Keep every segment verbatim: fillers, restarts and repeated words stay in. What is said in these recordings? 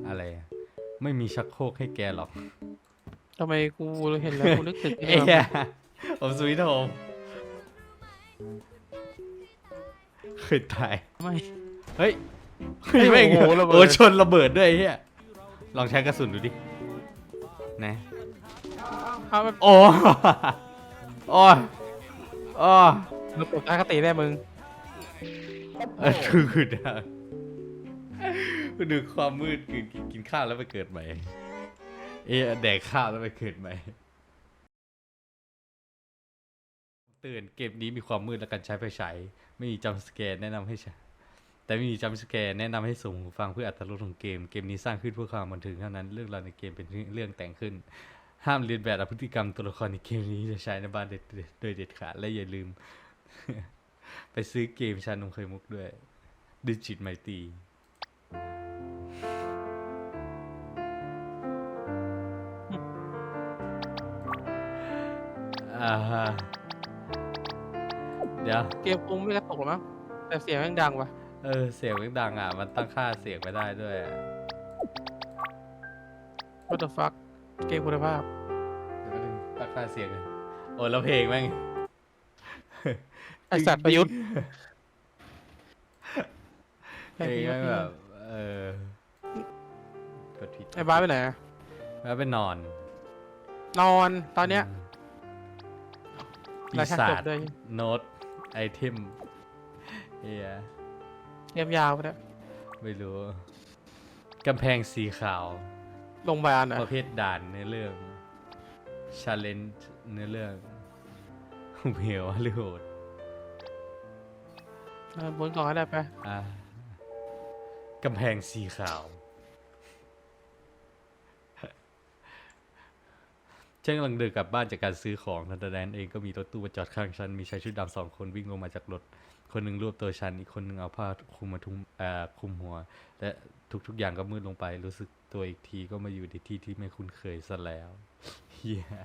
อะไรไม่มีชักโครกให้แกหรอกทำไมกูเห็นแล้วกูนึกถึงเอ้ยผมสวีทโฮมเคยตายไม่เฮ้ยไม่โอ้โหระเบิดโอ้ชนระเบิดด้วยเฮียลองใช้กระสุนดูดินะเอาแบบโอ้โอ้โอ้ระบบทัศนคติได้มึงเออคือคือได้ดูความมืดกินกินข้าวแล้วไปเกิดใหม่เอ๊ะแดกข้าวแล้วไปเกิดใหม่เตือนเกมนี้มีความมืดและการใช้ไฟฉายไม่มีจัมป์สแกร์แนะนำให้ใช้แต่ไม่มีจัมป์สแกร์แนะนำให้ส่งหูฟังเพื่ออรรถรสของเกมเกมนี้สร้างขึ้นเพื่อความบันเทิงเท่านั้นเรื่องราวในเกมเป็นเรื่องแต่งขึ้นห้ามเรียนแบบพฤติกรรมตัวละครในเกมนี้จะใช้ในบ้านโดยเด็ดขาดและอย่าลืม ไปซื้อเกมชานมไข่มุกด้วยดิจิตไมตีอ่าฮะเดี๋ยวเกมคงไม่กระตกหรอกมั้งแต่เสียงแม่งดังว่ะเออเสียงมันดังอ่ะมันตั้งค่าเสียงไม่ได้ด้วยอะ What the fuck เกมคุณภาพเดี๋ยวแป๊บนึงตั้งค่าเสียงเลยโอ้แล้วเพลงแม่งไอสัตว์ประยุทธ์เพลงแม่งแบบเออ กดผิดไอ้บ้าสไปไหนอะแล้วไปนอนนอนตอนเนี้ยปีรายการศาจจบด้วยโน้ตไอเทมเฮียเกมยาวไปแล้วไม่รู้กำแพงสีขาวโรงพยาบาลอ่ะประเภทด่านเนื้อเรื่องชาเลนจ์เนื้อเรื่องเหวหรือโหดเออบนกล่องให้ได้ไปอ่ะกำแพงสีขาวฉันกำลังเดินกลับบ้านจากการซื้อของทันใดนั้นเองก็มีรถตู้มาจอดข้างฉันมีชายชุดดำสองคนวิ่งลงมาจากรถคนหนึ่งรวบตัวฉันอีกคนหนึ่งเอาผ้าคลุมมาทุมเอ่อคลุมหัว และทุกๆอย่างก็มืดลงไปรู้สึกตัวอีกทีก็มาอยู่ในที่ที่ไม่คุ้นเคยซะแล้วเฮีย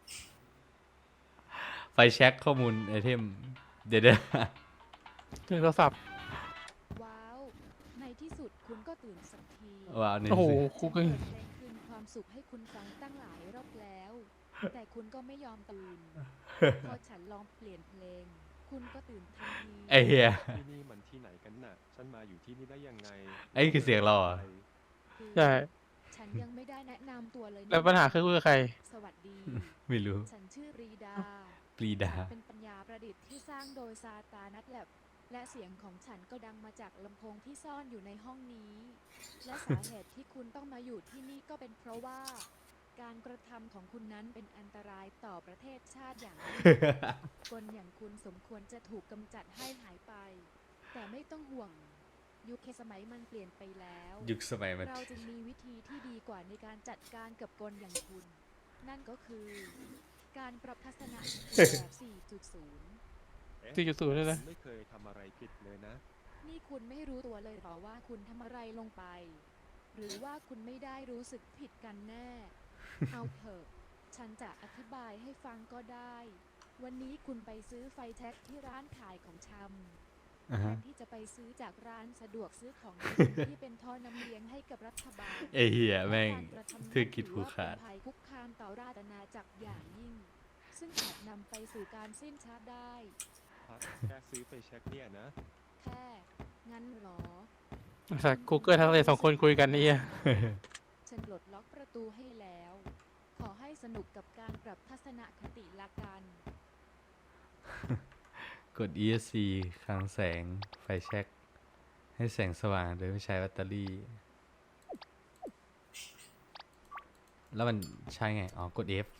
ไฟแช็คข้อมูลไอเทมเดี๋ยวถึงโทรศัพท์ว้าว ในที่สุดคุณก็ตื่นสักทีๆว้าวนี่โอ้โหสิกูก็ฉันเปิดเพลงคืนความสุขให้คุณฟังตั้งหลายรอบแล้ว แต่คุณก็ไม่ยอมตื่น พอฉันลองเปลี่ยนเพลง คุณก็ตื่นทันทีไอเฮียที่นี่มันที่ไหนกันน่ะ ฉันมาอยู่ที่นี่ได้ยังไงไอ้คือเสียงเราเหรอคือใช่ฉันยังไม่ได้แนะนำตัวเลยนะแล้วปัญหาคือคุยกับใครสวัสดีไม่รู้ฉันชื่อปรีดาปรีดาฉันเป็นปัญญาประดิษฐ์ที่สร้างโดยซาตานัทแลบและเสียงของฉันก็ดังมาจากลำโพงที่ซ่อนอยู่ในห้องนี้ และสาเหตุที่คุณต้องมาอยู่ที่นี่ก็เป็นเพราะว่า การกระทำของคุณนั้นเป็นอันตรายต่อประเทศชาติอย่างยิ่ง คนอย่างคุณสมควรจะถูกกำจัดให้หายไป แต่ไม่ต้องห่วง ยุคสมัยมันเปลี่ยนไปแล้วยุคสมัยมันเราจึงมีวิธีที่ดีกว่าในการจัดการกับกลอย่างคุณ นั่นก็คือ การปรับทัศนะแบบ สี่จุดศูนย์สี่จุดศูนย์เลยนะไม่เคยทำอะไรผิดเลยนะนี่คุณไม่รู้ตัวเลยหรอว่าคุณทำอะไรลงไป หรือว่าคุณไม่ได้รู้สึกผิดกันแน่ เอาเถอะ ฉันจะอธิบายให้ฟังก็ได้ วันนี้คุณไปซื้อไฟแท็กที่ร้านขายของชำอ่าแทฮะนที่จะไปซื้อจากร้านสะดวกซื้อของกิน ที่เป็นท่อนำเลี้ยงให้กับรัฐบาลไอเฮียแม่งและการกระทำนั้นธุรกิจผูกขาดถือว่าเป็นภัยคุกคามต่อราชอาณาจักรอย่างยิ่ง ซึ่งอาจนำไปสู่การสิ้นชาติได้พักแค่ซื้อไปเช็คเนี่ยนะแค่ งั้นเหรอสัตว์ Google ทั้งเลยสองคนคุยกันนี่อะฉันปลดล็อกประตูให้แล้ว ขอให้สนุกกับการปรับทัศนคติละกันกด อี เอส ซี คลังแสง ไฟแช็ก ให้แสงสว่างโดยไม่ใช้แบตเตอรี่ แล้วมันใช่ไง อ๋อ กด F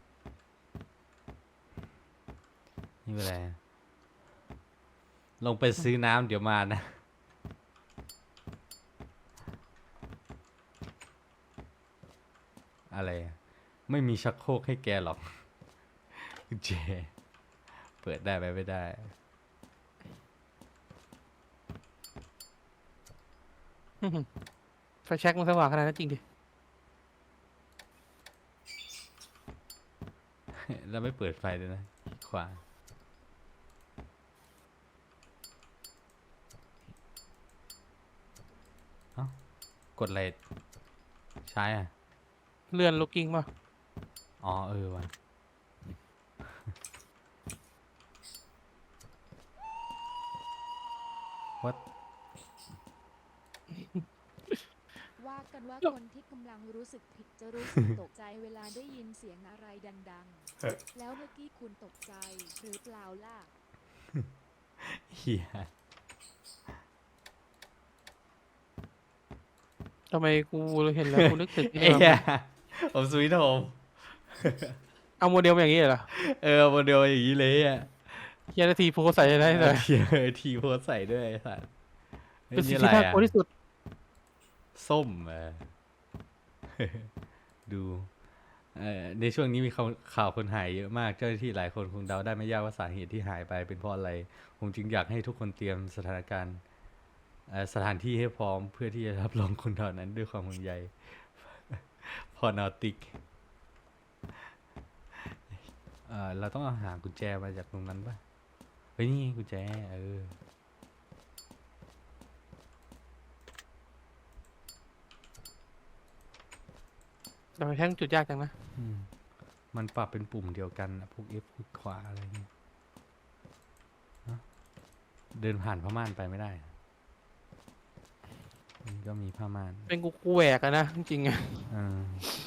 นี่เป็นไร ลงไปซื้อน้ำเดี๋ยวมานะ อะไรอะไม่มีชักโครกให้แกหรอก เจ เปิดได้ไหมไม่ได้ไฟแช็กมันสว่างขนาดนั้นจริงดิแล้วไม่เปิดไฟด้วยนะขวาเอ้ากดอะไรใช้อ่ะเลื่อนลูกกิ้งป่ะอ๋อเออว่ะ What ว่ากันว่าคนที่กำลังรู้สึกผิดจะรู้สึกตกใจเวลาได้ยินเสียงอะไรดังๆ แล้วเมื่อกี้คุณตกใจหรือเปล่าล่ะเฮียทำไมกูเห็นแล้วกูนึกถึงไอ้เอ้เนี่ยยผมสวีทโฮมเอาโมเดลมาอย่างนี้เหรอเออโมเดลอย่างนี้เลยอ่ะเฮียนาทีโพสใส่ได้เลยเฮียทีโพสใส่ด้วยไอ้สัตว์ฮ้ยเป็นสิ่งอะไรที่น่าอะกลัวที่สุดส้มเออ ดูเอ่อในช่วงนี้มีข่าวข่าวคนหายเยอะมากเจ้าหน้าที่หลายคนคงเดาได้ไม่ยากว่าสาเหตุที่หายไปเป็นเพราะอะไรผมจึงอยากให้ทุกคนเตรียมสถานการณ์เอ่อสถานที่ให้พร้อมเพื่อที่จะรับรองคนเหล่านั้นด้วยความห่วงใย พอนอติกเอ่อเราต้องเอาหากุญแจมาจากตรงนั้นปะเฮ้ยนี่ไงกุญแจเออแต่แท่งจุดยากจังนะอืมมันปรับเป็นปุ่มเดียวกันอะพวก F พวกขวาอะไรเงี้ยฮะเดินผ่านผ้าม่านไปไม่ได้อะมันก็มีผ้าม่านเป็นกูกูแหวกอะนะจริงๆอะอ่า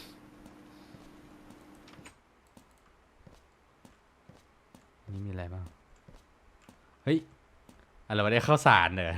นี่มีอะไรบ้าง เฮ้ย อะไรวะเนี่ยข้าวสารเหรอ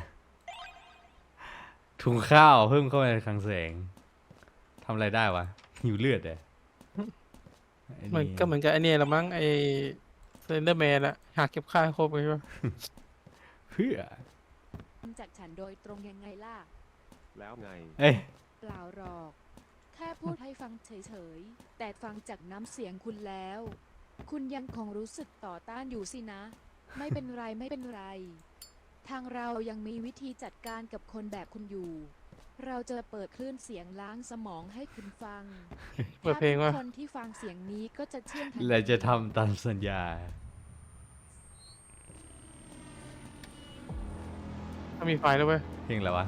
ถุงข้าวเพิ่มเข้าไปในคลังแสงทำอะไรได้วะ หิวเลือดเหรอไอ้มันก็เหมือนกับไอเนี่ยละมั้งไอเซนเดอร์แมนอะหากเก็บค่าให้ครบเลยป่ะเพื่อจากฉันโดยตรงยังไงล่ะแล้วไงเอ้ยเปล่าหรอก แค่พูดให้ฟังเฉยๆ แต่ฟังจากน้ำเสียงคุณแล้ว คุณยังคงรู้สึกต่อต้านอยู่สินะ ไม่เป็นไรไม่เป็นไร ทางเรายังมีวิธีจัดการกับคนแบบคุณอยู่ เราจะเปิดคลื่นเสียงล้างสมองให้คุณฟังเปิดเพลงถ้าว่าทุกคนที่ฟังเสียงนี้ก็จะเชื่องทันเราจะทีทำตามสัญญาถ้ามีไฟแล้วเว้ยเพลงอะไรวะ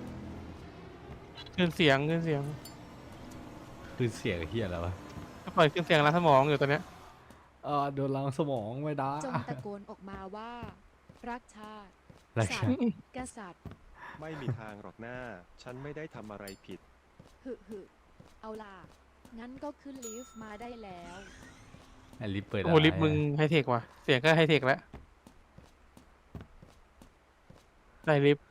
ขึ้นเสียงขึ้นเสียงคือเสียงเฮียอะไรวะก็ปล่อยขึ้นเสียงล้างสมองอยู่ตอนเนี้ยเออโดนล้างสมองไม่ได้จงตะโกนออกมาว่า รักชาติรักสัชาตติว์กษัตริย์ไม่มีทางหรอกหน้า ฉันไม่ได้ทำอะไรผิดหึหึเอาล่ะ งั้นก็ขึ้นลิฟต์มาได้แล้วอันลิฟต์เปิดโอ้โหลิฟต์มึงไฮเทคว่ะ เสียงก็ไฮเทคแล้วได้ลิฟต์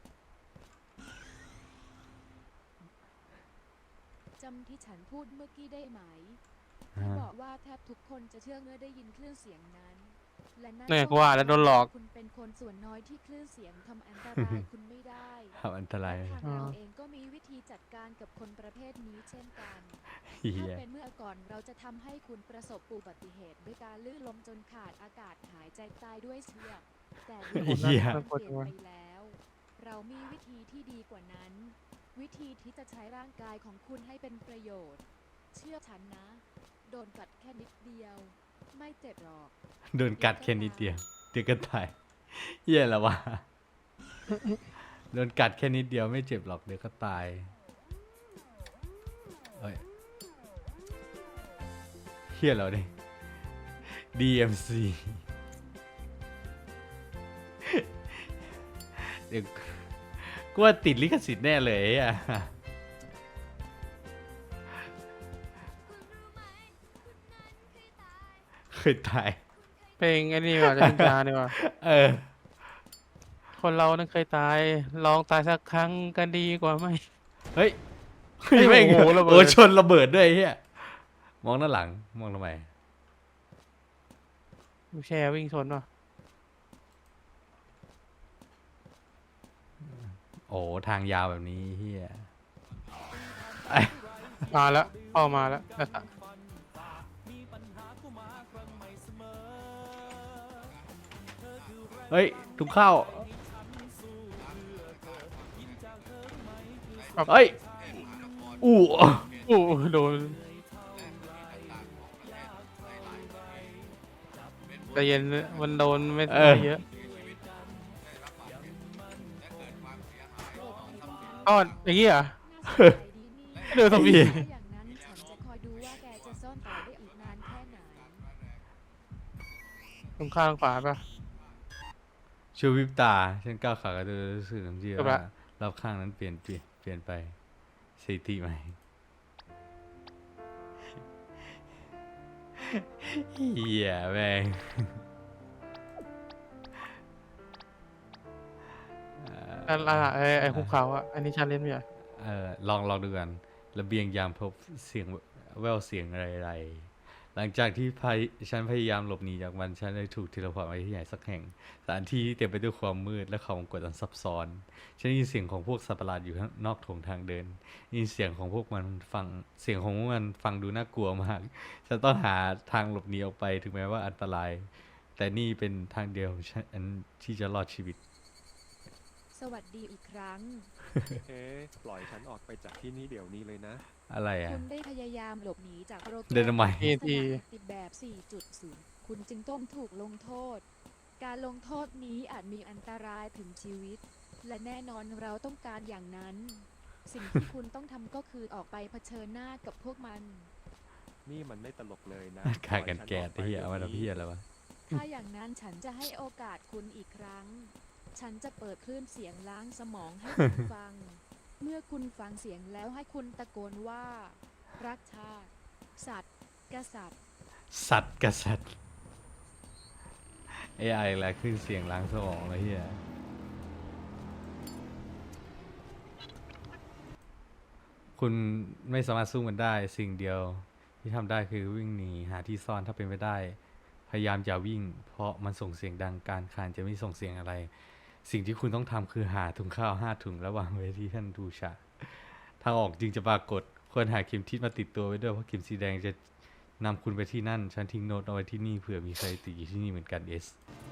จำที่ฉันพูดเมื่อกี้ได้ไหมฮะที่บอกว่าแทบทุกคนจะเชื่อเมื่อได้ยินคลื่นเสียงนั้น และนั่นเนี่ยกูว่าแล้วโดนหลอกคุณเป็นคนส่วนน้อยที่คลื่นเสียงทำอันตราย คุณไม่ได้ทำอันตรายและทางเราเองก็มีวิธีจัดการกับคนประเภทนี้เช่นกันเฮีถ้าย เป็นเมื่อก่อนเราจะทำให้คุณประสบอุบัติเหตุด้วยการลื่นล้มจนขาดอากาศหายใจตายด้วยเชือกแต่เดี๋ยวเหี้นี้ยเปลี่ยนไปแล้ว เรามีวิธีที่ดีกว่านั้น วิธีที่จะใช้ร่างกายของคุณให้เป็นประโยชน์ เชื่อฉันนะ โดนกัดแค่นิดเดียว ไม่เจ็บหรอกโดนกัดแค่นิดเดียวเดี๋ยวก็ตายเฮียแล้ววะ โดนกัดแค่นิดเดียวไม่เจ็บหรอกเดี๋ยวก็ตายเอ้ยเฮียแล้วดิ ดี เอ็ม ซี เดี๋ยวกูว่าติดลิขสิทธิ์แน่เลยอ่ะ เคยตายเพลงไอ้นี่ว่ะจะพินจาเนี่ยว่ะเออคนเรานั้นเคยตาย ลองตายสักครั้งกันดีกว่าไหมเฮ้ยเฮ้ยแม่งโอ้โหระเบิดโอ้ชนระเบิดด้วยไอ้เฮียมองด้านหลัง มองทำไมดูแชร์วิ่งชนว่ะโอ้ทางยาวแบบนี้เฮียมาแล้วพ่อมาแล้วแล้วก็เฮ้ยทุกเข้า เฮ้ย อู้อู้โดนแต่เย็นมันโดนไม่ไม่เยอะอ้ออย่างงี้เหรอน่าสนใจดีนี่เดือดสมีถ้าอย่างนั้นฉันจะคอยดูว่าแกจะซ่อนต่อได้อีกนานแค่ไหนตรงข้างขวาปะชูวิบตา ฉันก้าวขากระโดดรู้สึกทันทีจบว่าละรอบข้างนั้นเปลี่ยนเปลี่ยนเปลี่ยนไปสถิติใหม่เหี้ยแม่งอันละไอไอภูเขาอ่ะ อันนี้ชาเลนจ์ไหมอ่ะเออลองลองดูกันระเบียงยามพบเสียงแววเสียงอะไรๆหลังจากที่พายฉันพยายามหลบหนีจากมันฉันได้ถูกเทเลพอร์ตไปที่ไหนสักแห่งสถานที่ที่เต็มไปด้วยความมืดและความกดดันซับซ้อนฉันได้ยินเสียงของพวกสัตว์ประหลาดอยู่ข้างนอกโถงทางเดินได้ยินเสียงของพวกมันฟังเสียงของพวกมันฟังดูน่ากลัวมากฉันต้องหาทางหลบหนีออกไปถึงแม้ว่าอันตราย แต่นี่เป็นทางเดียวของฉันที่จะรอดชีวิตสวัสดีอีกครั้งเอ๊ะปล่อยฉันออกไปจากที่นี่เดี๋ยวนี้เลยนะอะไรอ่ะคุณได้พยายามหลบหนีจากโปรแกรมเดินทำไมทีสนามปฏิแบบ สี่จุดศูนย์ คุณจึงต้องถูกลงโทษ การลงโทษนี้อาจมีอันตรายถึงชีวิต และแน่นอนเราต้องการอย่างนั้น สิ่งที่คุณต้องทำก็คือออกไปเผชิญหน้ากับพวกมันนี่มันไม่ตลกเลยนะกากันแกะปล่อยที่ฉันอเอาอกมาไปทำพี่อะไรวะถ้าอย่างนั้นฉันจะให้โอกาสคุณอีกครั้ง ฉันจะเปิดคลื่นเสียงล้างสมองให้คุณฟัง เมื่อคุณฟังเสียงแล้วให้คุณตะโกนว่า รักชาติ สัตว์ กษัตริย์สัตว์กษัตริย์ เอ ไอ อะไรขึ้นเสียงล้างสมองเลยเฮียคุณไม่สามารถสู้มันได้สิ่งเดียวที่ทำได้คือวิ่งหนีหาที่ซ่อนถ้าเป็นไปได้ พยายามอย่าวิ่ง เพราะมันส่งเสียงดังการคลานจะไม่ส่งเสียงอะไร สิ่งที่คุณต้องทำคือหาถุงข้าวห้าถุงแล้ววางไว้ที่ท่านดูชาทางออกจึงจะปรากฏควรหาเข็มทิศมาติดตัวไว้ด้วยเพราะเข็มสีแดงจะนำคุณไปที่นั่น ฉันทิ้งโน้ตเอาไว้ที่นี่เผื่อมีใครติดอยู่ที่นี่เหมือนกันเอส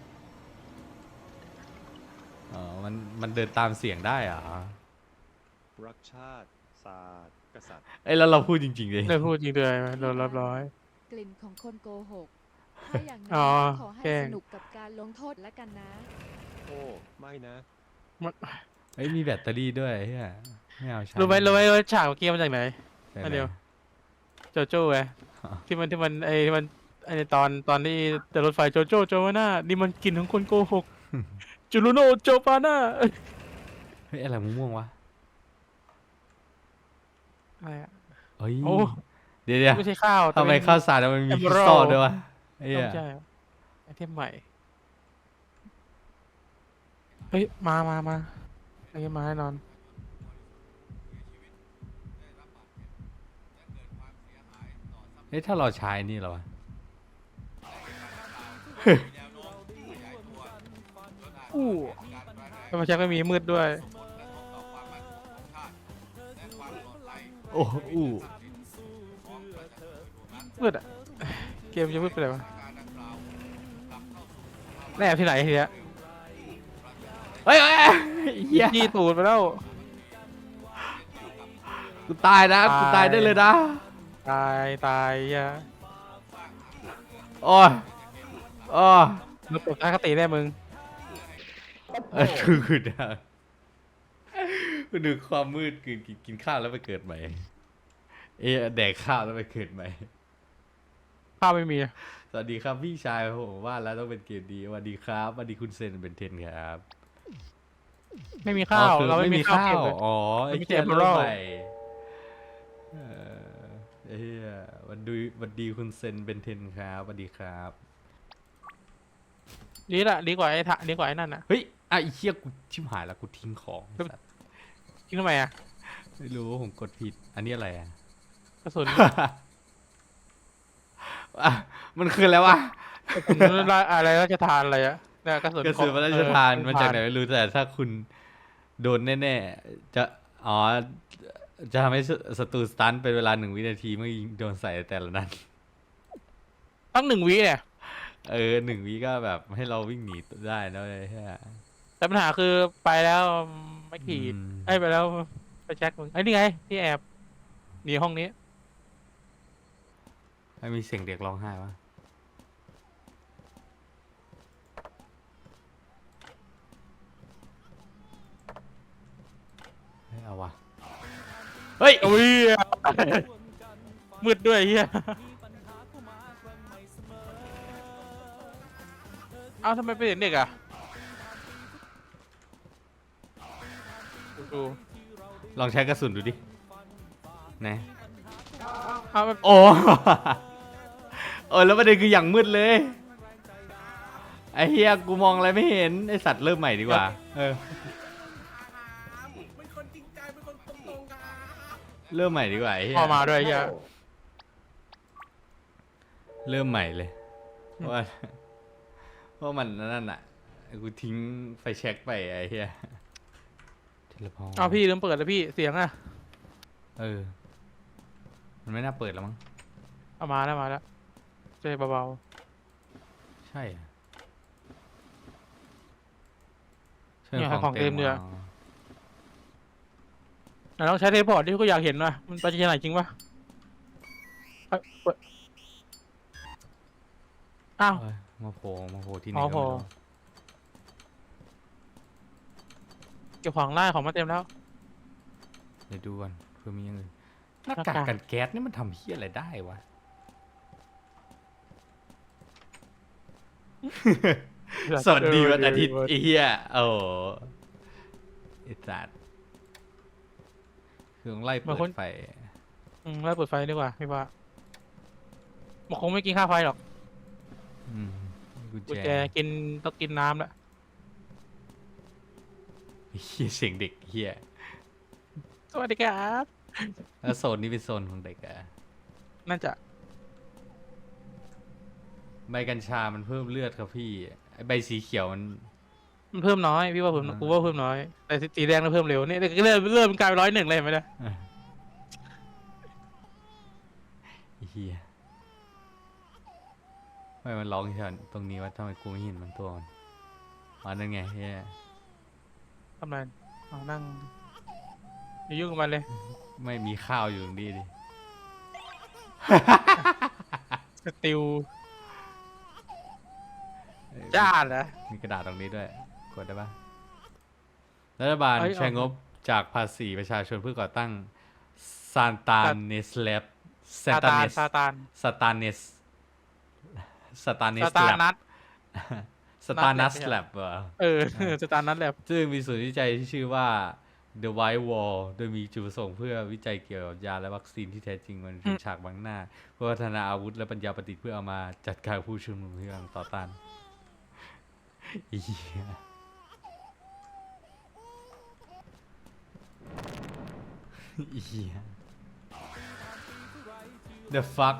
อ๋อมันมันเดินตามเสียงได้เหรอรักชาติศาสตร์กษัตริย์เอ้ยแล้วเราพูดจริงๆเลยเลิกพูดจริงเลยโดนรับร้อยกลิ่นของคนโกหก ถ้าอย่างนั้อ๋นอขอให้แกล้งสนุกกับการลงโทษแล้วกันนะโอ้ไม่นะมันเอ้ยมีแบตเตอรี่ด้วยเฮียไม่เอาใช้รู้ไหมรู้ไหมว่าฉากเมื่อกี้มาจากไหนได้อันไหมเดียว โจโจ้ไงอ๋อที่มันที่มันไอที่มันไอในตอนตอนที่เดินรถไฟโจโจ้โจวาน่านี่มันกลิ่นของคนโกหก จูรุโนโจปาน่าเฮ้ยอะไรม่วงๆวะอะไรอะเฮ้ยโอ้เดี๋ยวเดี๋ยวไม่ใช่ข้าวแต่ทำไมเป็นข้าวสารมันมีคริส Emerald ตัลด้วยวะเฮีต้อย งใช่ไอเทมใหม่ เฮ้ย มามามาอันนี้มาแน่นอนเฮ้ยถ้าเราใช้นี่เหรอวะอู้แล้วมาแช็คไม่มีมืดด้วยโอ้อู้มืดอ่ะ เกมจะมืดไปเลยวะแน่ที่ไหนทีเนี้ยเฮ้ยเฮ้ยเฮ้ยเฮียยี่ตูดไปแล้วกูตายนะกูตายได้เลยนะตายตายยะโอ้ยโอ้ยมึงตกตาคติแน่มึงเออคือคือดังกูดูความมืดกินกินกินข้าวแล้วไปเกิดใหม่ เอะแดกข้าวแล้วไปเกิดใหม่ข้าวไม่มีอะสวัสดีครับพี่ชายผมว่าแล้วต้องเป็นเกมดีสวัสดีครับสวัสดีคุณเซนเป็นเทนครับไม่มีข้าวอ๋อคือเราไม่มีข้าวเก็บเลยอ๋อไอ้ไม่มีเหี้ยเทมเพอเริ่รัมลใหม่เออไอ้เหี้ยวันดีวันดีคุณเซนเป็นเทนครับสวัสดีครับดีละดีกว่าไอ้ถะดีกว่าไอ้นั่นอ่ะเฮ้ยอ่ะไอ้เหี้ยกูชิบหายแล้วกูทิ้งของครับสัตว์คิดทำไมอ่ะไม่รู้ผมกดผิด อันนี้อะไรอ่ะกระสุนอ่ะมันคืออะไรวะกระสุนอะไรราชทานอะไรอะเนี่ยกระสุนกระสุนพระราชทานเออมาจากไหนไม่รู้แต่ถ้าคุณโดนแน่ๆจะอ๋อจะทำให้ศัตรูสตันเป็นเวลาหนึ่งวินาทีเมื่อยิงโดนใส่แต่ละนัดตั้งหนึ่งวิเนี่ยเออหนึ่งวิก็แบบให้เราวิ่งหนีได้นะเลยใช่แต่ปัญหาคือไปแล้วไม่ขีดอืมไอ้ยไปแล้วไปแจ็คมึงไอ้ยนี่ไงที่แอบหนีห้องนี้ไม่มีเสียงเด็กร้องไห้วะเฮ้ยเอาวะเฮ้ยโอ้ยมืดด้วยเฮียเอ้าทำไมเป็นเด็กอ่ะดูลองใช้กระสุนดูดินะเอาแบบโอ้ เออแล้วประเด็นคืออย่างมืดเลย ไอ้เฮียกูมองอะไรไม่เห็น ไอสัตว์เริ่มใหม่ดีกว่า เออ เริ่มใหม่ดีกว่าไอ้เฮียพอมาด้วยเฮียเริ่มใหม่เลย เพราะว่า เพราะมันนั่นน่ะ กูทิ้งไฟแช็กไปไอ้เฮียเทเลพอร์ตเอาพี่ลืมเปิดแล้วพี่เสียงอ่ะเออ มันไม่น่าเปิดแล้วมั้งเอามาแล้วมาแล้วเจ๊เบาใช่อะๆเนี่ยของเต็มเลยมาอะไหนลองใช้เทเลพอร์ตที่กูอยากเห็นว่ะมันไปที่ไหนจริงปะเอ้ยเปิดอ้าวเอ้ยมาโผล่มาโผล่ที่ไหนอ๋อก็ไม่รู้โผล่ เก็บของได้ของมาเต็มแล้วเดี๋ยวดูก่อนเพื่อมีอย่างอื่นหน้าหน้ากากากกันแก๊สนี่มันทำเฮี้ยอะไรได้วะ สวัสดีวันอาทิตย์ไอ้เหี้ยโอ้โหไอ้สัตว์คือต้องไล่เปิดไฟอืมแล้วเปิดไฟดีกว่าพี่ว่ามันคงไม่กินค่าไฟหรอกอืมกุญกุญแจแจกินต้องกินน้ำแล้วไอ้เหี้ยเสียงเด็กเหี้ยสวัสดีครับแล้วโซนนี้เป็นโซนของเด็กอะน่าจะใบกัญชามันเพิ่มเลือดครับพี่ไอใบสีเขียวมันมันเพิ่มน้อยพี่ว่าเพิ่มอ่ากูว่าเพิ่มน้อยแต่สีแดงมันเพิ่มเร็วเนี่ยเริ่มเริ่มกลายเป็นร้อยหนึ่งเลยเห็นไหมเนี่ยไอ้เหี้ยทำไมมันร้องแค่ตรงนี้วะทำไมกูไม่เห็นมันตัวมันอ๋อนั่นไงเหี้ยทำไรเอานั่งอย่ายุ่งกับมันเลยไม่มีข้าวอยู่ตรงนี้ดิสติลจ้าเหรอมีกระดาษตรงนี้ด้วย กดได้ปะรัฐบาลเอ้ยใช้เอางบจากภาษีประชาชนเพื่อก่อตั้งซานตาซาเนสแลบซาซาตาตานเนสซาตานสตาเนสสตาเนซาสตาแลบนัทสตานัสนัทแล Lab บเหรอเออซาตานัทแลบซึ่งมีศูนย์วิจัยที่ชื่อว่า The White Wall โดยมีจุดประสงค์เพื่อวิจัยเกี่ยวกับยาและวัคซีนที่แท้จริงมันเป็นฉากบังหน้า เพื่อพัฒนาอาวุธและปัญญาประดิษฐ์เพื่อเอามาจัดการผู้ชุมนุมที่กำลังต่อต้านไอ้เหี้ยไอ้เหี้ย The fuck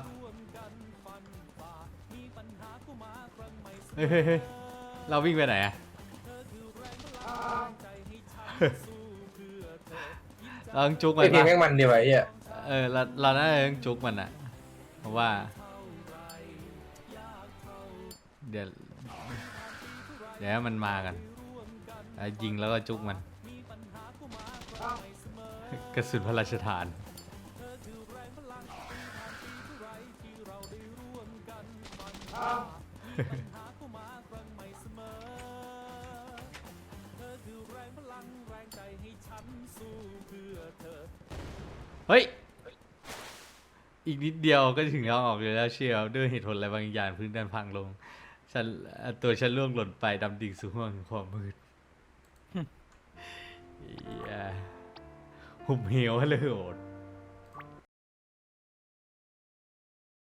เฮ้ยเฮ้ยเฮ้ยเราวิ่งไปไหนอะ เราต้องจุกมัไอ้นเพลงปะแม่งมันดีวะไอ้เหี้ยเออเราเราน่าจะต้องจุกมันอะเพราะว่า เดี๋ยวเดี๋ยวให้มันมากันแล้วยิงแล้วก็จุกมัน กระสุนพระราชทาน เฮ้ย อีกนิดเดียวก็ถึงทางออกอยู่แล้วเชียวด้วยเหตุผลอะไรบางอย่างพื้นดันพังลง ฉันเอ่อตัวฉันล่วงหล่นไปดำดิ่งสู่ห้วงแห่งความมืดเหี้ยหุบเหวเลยโหด